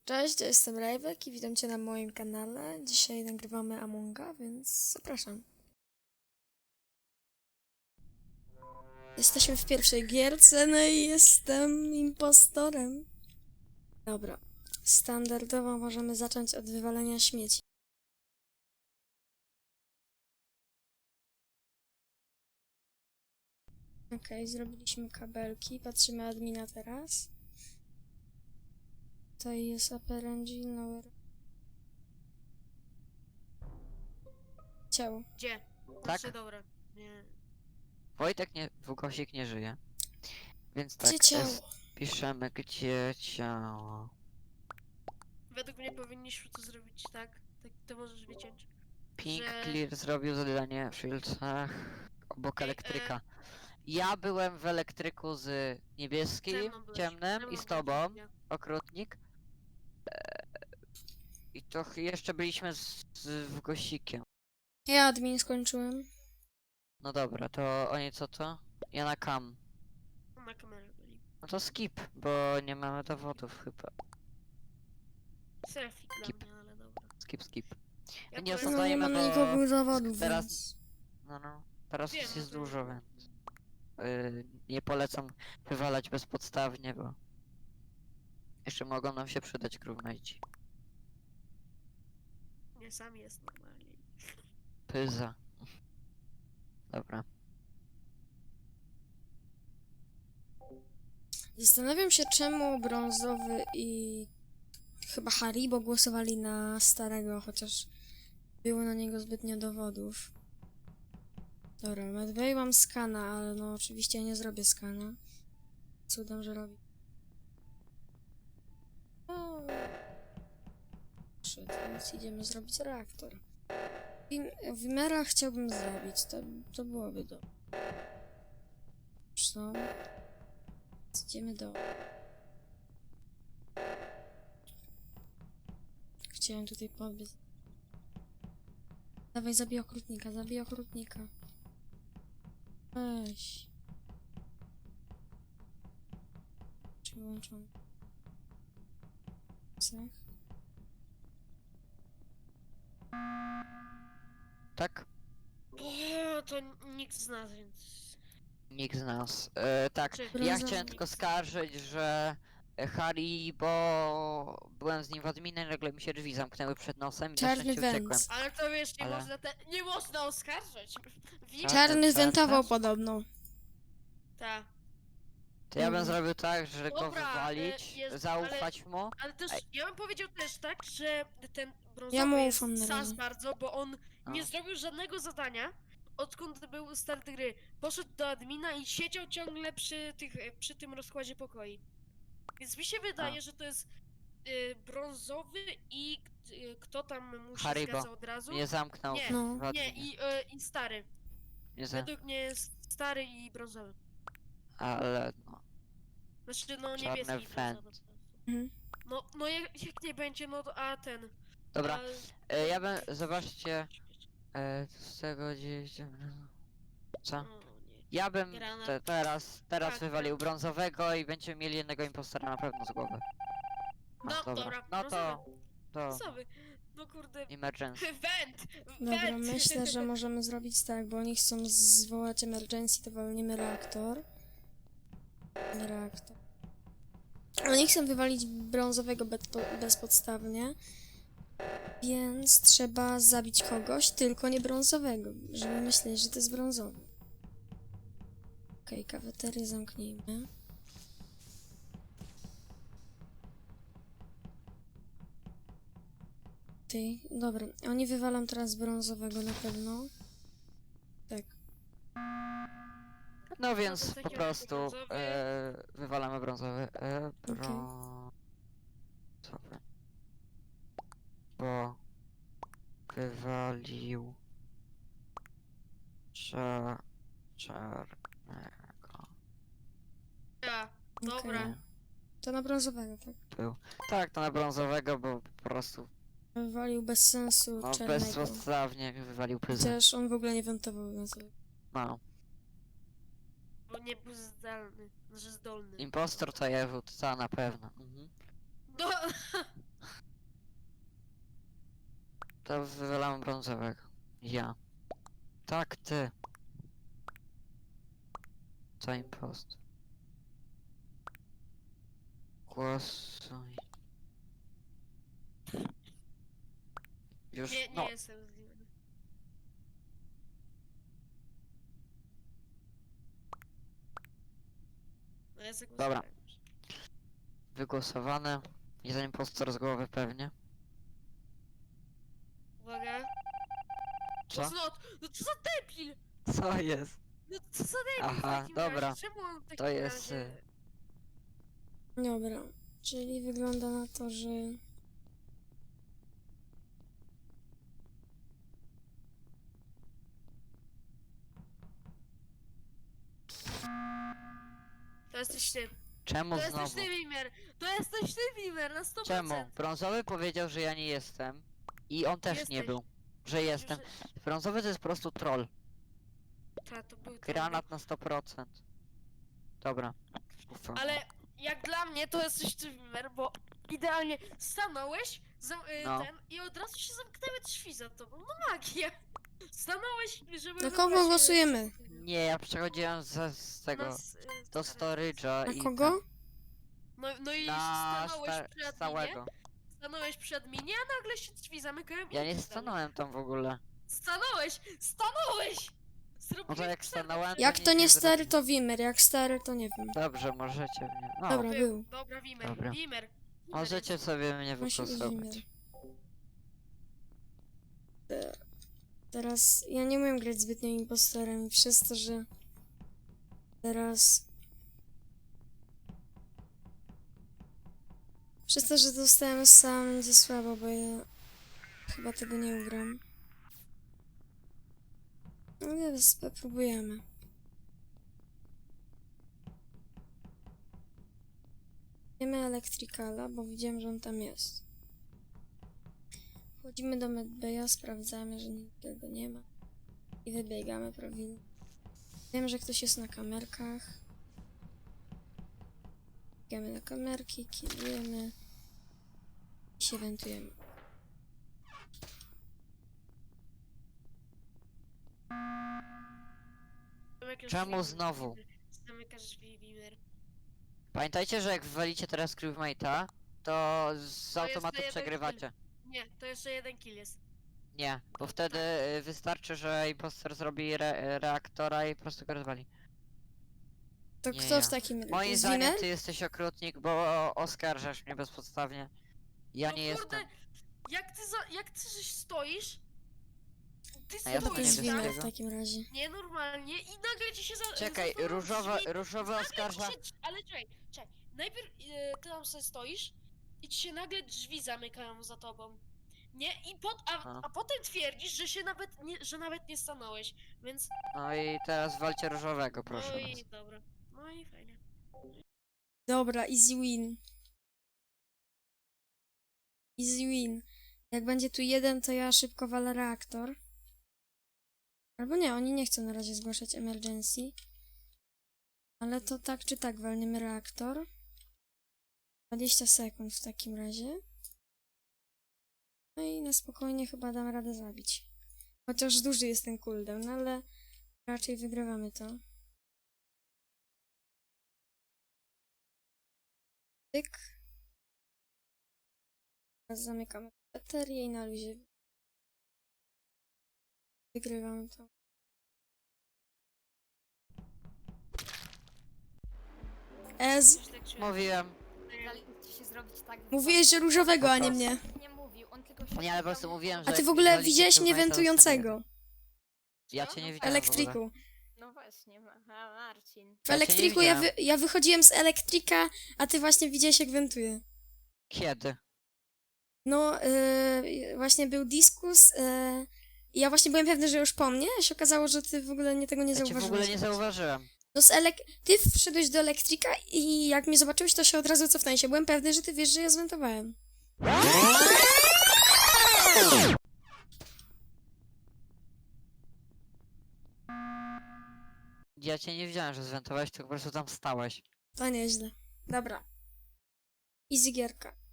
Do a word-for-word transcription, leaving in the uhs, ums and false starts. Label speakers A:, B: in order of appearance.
A: Cześć, ja jestem Rajwek i witam Cię na moim kanale. Dzisiaj nagrywamy Amonga, więc zapraszam. Jesteśmy w pierwszej gierce, no i jestem impostorem. Dobra, standardowo możemy zacząć od wywalenia śmieci. Okej, okay, zrobiliśmy kabelki, patrzymy admina teraz. Tutaj jest upper engine, lower... Ciało.
B: Gdzie?
C: Tak?
B: Znaczy, dobra. Nie.
C: Wojtek nie, Włosik nie żyje. Więc tak,
A: Gdzie ciało?
C: es- piszemy gdzie ciało.
B: Według mnie powinniśmy to zrobić tak. Tak to możesz wyciąć.
C: Pink
B: że-
C: Clear zrobił zadanie w Shieldsach obok
B: Ej,
C: elektryka. Ja byłem w elektryku z
B: Ze
C: niebieskim,
B: mną byłeś,
C: ciemnym
B: ze
C: i
B: mną
C: z tobą,
B: byłeś, nie?
C: okrutnik. Eee, I to ch- jeszcze byliśmy z, z Włosikiem.
A: Ja admin skończyłem.
C: No dobra, to oni co to? Ja na cam.
B: Na kamerze byli.
C: No to skip, bo nie mamy dowodów chyba.
B: Selfie dla
C: Skip.
B: mnie, ale dobra.
C: Skip, skip.
B: Ja
C: Nie
B: byłem-
C: osądzajmy,
A: No nie
C: bo
A: mamy nikogo zawodów,
C: teraz-
A: więc...
C: No, no. Teraz
B: Wiem,
C: już jest
B: no to-
C: dużo, więc yy, nie polecam wywalać bezpodstawnie, bo jeszcze mogą nam się przydać crewmate'ci.
B: Nie, sam jest normalnie.
C: Pyza. Dobra.
A: Zastanawiam się, czemu brązowy i chyba Haribo głosowali na starego, chociaż było na niego zbytnio dowodów. Dobra, Medway mam skana, ale no oczywiście nie zrobię skana. Cudem, że robi. O. Shit, więc idziemy zrobić reaktor. Wim- Wimera chciałbym zrobić, to, to byłoby dobre. Co? Idziemy do... Chciałem tutaj podbiec. Dawaj, zabij okrutnika, zabij okrutnika. Weź. Przyłączam. Cech.
C: Tak?
B: O, to nikt z nas, więc...
C: Nikt z nas. Yy, tak,
B: Znaczy,
C: ja
A: Brązowy.
C: chciałem tylko skarżyć, że Harry, bo byłem z nim w adminie, nagle mi się drzwi zamknęły przed nosem i na
A: Czarny
C: szczęście
A: węd.
C: uciekłem.
B: Ale to wiesz, nie
C: Ale-
B: można te... Nie można oskarżać! Wiem,
C: Czarny
A: Czarny
C: węd
A: zwentował
C: też?
A: podobno.
B: ta.
C: To ja bym
A: Mhm.
C: zrobił tak, że go
B: Dobra,
C: wywalić,
B: y, jest-
C: zaufać mu.
B: Ale też,
C: Ej.
B: ja bym powiedział też tak, że ten brązowy
A: Ja mu
B: jest
A: ufam na
B: sas
A: razie.
B: bardzo, bo on
C: A.
B: nie zrobił żadnego zadania, odkąd był start gry. Poszedł do admina i siedział ciągle przy, tych, przy tym rozkładzie pokoi. Więc mi się wydaje,
C: A.
B: że to jest y, brązowy i y, kto tam mu się
C: Haribo.
B: zgadza od razu?
C: Mnie zamknął
B: Nie,
A: No.
C: w
B: Nie,
C: adminie.
B: i, y, i stary.
C: Nie za...
B: Według mnie jest stary i brązowy.
C: Ale no.
B: Znaczy, no
C: Czarny
B: niebieski i
C: fan.
B: brązowy.
A: Mhm.
B: No, no jak, jak nie będzie, no to, a ten...
C: Dobra,
B: A,
C: e, ja bym, zobaczcie, e, z tego gdzieś... Co?
B: O, nie.
C: Ja bym
B: Granat.
C: te, teraz, teraz
B: Tak,
C: wywalił
B: tak.
C: brązowego i będziemy mieli jednego impostora na pewno z głowy. A,
B: No, dobra,
C: No to,
B: brązowy.
C: to
B: Brązowy. No kurde.
C: emergency.
B: Węd!
A: Dobra,
B: Węd!
A: myślę, że możemy zrobić tak, bo oni chcą zwołać emergency, to walniemy reaktor. Reaktor. Oni chcą wywalić brązowego be- bezpodstawnie, więc trzeba zabić kogoś, tylko nie brązowego, żeby myśleć, że to jest brązowy. Okej, okay, kafeterię zamknijmy. Ty, dobra, oni wywalą teraz brązowego na pewno. Tak.
C: No więc
B: to
C: po
B: takiego
C: prostu
B: brązowy.
C: e, wywalamy brązowy. E,
A: Okej.
C: brązowy. Bo wywalił cza, czarnego.
B: Ja, dobra.
A: Okej. To na brązowego, tak?
C: Był. Tak, to na brązowego, bo po prostu
A: Wywalił bez sensu
C: no,
A: czarnego.
C: bezpodstawnie wywalił pyzę.
A: Chociaż on w ogóle nie wentował, więc...
C: No.
B: Bo nie był zdalny, znaczy zdolny.
C: Impostor to Jewód, to na pewno. Mhm.
B: No,
C: To wywalam brązowego. Ja. Tak, ty. Co impost? Głosuj. Już,
B: Nie, nie
C: no.
B: jestem z nim. No ja zagłosowałem.
C: Wygłosowane. Jest impostor z głowy pewnie.
B: Uwaga.
C: Co?
B: O, no, no co za debil!
C: Co jest?
B: No co za debil w
C: Aha,
B: takim
C: dobra.
B: razie? Czemu on w takim
C: To jest,
B: razie...
A: Dobra, czyli wygląda na to, że...
B: To jesteś ty.
C: Czemu
B: To jesteś
C: znowu?
B: ty, Wimer! To jesteś ty, Wimer, na sto procent!
C: Czemu? Brązowy powiedział, że ja nie jestem. I on też nie
B: Jesteś.
C: był. Że jestem. Brązowy to jest po prostu troll.
B: Ta, to był
C: Granat na sto procent. Dobra. Ufam.
B: Ale jak dla mnie to jesteś ty, Wimer, bo idealnie stanąłeś zam, y,
C: No.
B: ten i od razu się zamknęły drzwi za tobą. No magia! Stanąłeś, żeby
A: Na
B: wybrać,
A: kogo
B: y,
A: głosujemy?
C: Nie, ja przechodziłem ze, z tego.
B: nas, y,
C: Do storage'a
A: Na
C: i
A: kogo?
B: No, no i
C: tam- na
B: stanąłeś
C: sta
B: przy adminie,
C: stałego.
B: stanąłeś przy adminie, a nagle się drzwi zamykają i
C: Ja nie
B: idziesz
C: stanąłem tam w ogóle.
B: dalej. Stanąłeś! Stanąłeś!
C: No to
B: Zrobiłeś
C: jak
B: przerwę.
C: stanąłem,
A: Jak
C: nic
A: to nie stary,
C: zrobiłem.
A: to Wimer, jak stary, to nie wiem.
C: Dobrze, możecie mnie. No,
A: Dobra,
B: Był.
A: był.
B: Dobra, Wimer,
C: Dobra.
B: Wimer.
C: możecie sobie mnie
A: Musi być Wimer.
C: wygłosować.
A: Te- Teraz ja nie umiem grać zbytnio impostorem i przez to, że teraz przez to, że dostałem sam będzie słabo, bo ja chyba tego nie ugram. No ale spróbujemy. Wiemy Electricala, bo widziałem, że on tam jest. Wchodzimy do Medbaya, sprawdzamy, że nikogo nie ma. I wybiegamy prawidłnie. Wiem, że ktoś jest na kamerkach. Biegamy na kamerki, kierujemy. I się wentujemy.
B: Zamykasz
C: Czemu
B: drzwi,
C: znowu?
B: Wimer. Zamykasz drzwi, Wimer.
C: Pamiętajcie, że jak wywalicie teraz crewmate'a, to z
B: To
C: automatu
B: jest to jeden
C: przegrywacie.
B: Nie, to jeszcze jeden kill jest.
C: Nie, bo wtedy y, wystarczy, że impostor zrobi re reaktora i po prostu go rozwali.
A: To
C: Nie
A: kto
C: ja.
A: w takim razie?
C: Moim
A: Jest
C: zdaniem
A: Wimer?
C: ty jesteś okrutnik, bo oskarżasz mnie bezpodstawnie. Ja
B: No
C: nie
B: kurde,
C: jestem.
B: Jak ty, za, jak ty żeś stoisz, ty
C: A ja
A: To
C: to
B: stoisz
A: jest
C: nie
B: tam,
A: Wimer w
C: wiem.
A: takim razie.
B: nienormalnie i nagle ci się za...
C: Czekaj,
B: zamknął
C: różowe,
B: drzwi,
C: różowe
B: nagle ci
C: oskarża.
B: się, ale czekaj, czekaj, najpierw e, ty tam sobie stoisz i ci się nagle drzwi zamykają za tobą. Nie? I pot, a,
C: No.
B: a potem twierdzisz, że się nawet nie, że nawet nie stanąłeś, więc...
C: No i teraz walcie różowego, proszę
B: No
C: was.
B: i dobra. No i fajnie.
A: Dobra, easy win. Easy win. Jak będzie tu jeden, to ja szybko walę reaktor. Albo nie, oni nie chcą na razie zgłaszać emergency. Ale to tak czy tak walniemy reaktor. dwadzieścia sekund w takim razie. No i na spokojnie chyba dam radę zabić. Chociaż duży jest ten cooldown, ale raczej wygrywamy to. Tyk. Teraz zamykamy baterię i na luzie wygrywamy to. Ez,
B: Coś tak czuję.
C: Mówiłem.
D: Daliście się zrobić tak.
A: mówiłeś, że różowego, a nie mnie.
D: Nie mówił, on tylko się
C: Nie, ale po
D: pytał,
C: prostu mówiłem, że
A: A ty
C: jak
A: w ogóle
C: wywalicie
A: widziałeś mnie
C: crewmate'a, to
A: wentującego
C: Ja cię nie widziałem
A: w
C: w ogóle.
A: elektryku.
D: No właśnie, aha, Marcin.
A: W
C: Ja cię nie
A: elektryku ja, wy,
C: widziałem.
A: ja wychodziłem z elektryka, a ty właśnie widziałeś jak wentuję.
C: Kiedy?
A: No, yy, właśnie był dyskus yy, i ja właśnie byłem pewny, że już po mnie, a się okazało, że ty w ogóle nie tego nie
C: Ja cię w
A: zauważyłeś.
C: ogóle nie zauważyłem.
A: No z elek... Ty wszedłeś do elektryka i jak mnie zobaczyłeś, to się od razu cofnąłeś. Ja byłem pewny, że ty wiesz, że ja zwentowałem.
C: Ja cię nie widziałem, że zwentowałeś, tylko po prostu tam stałeś.
A: To nieźle. Dobra. Easy gierka.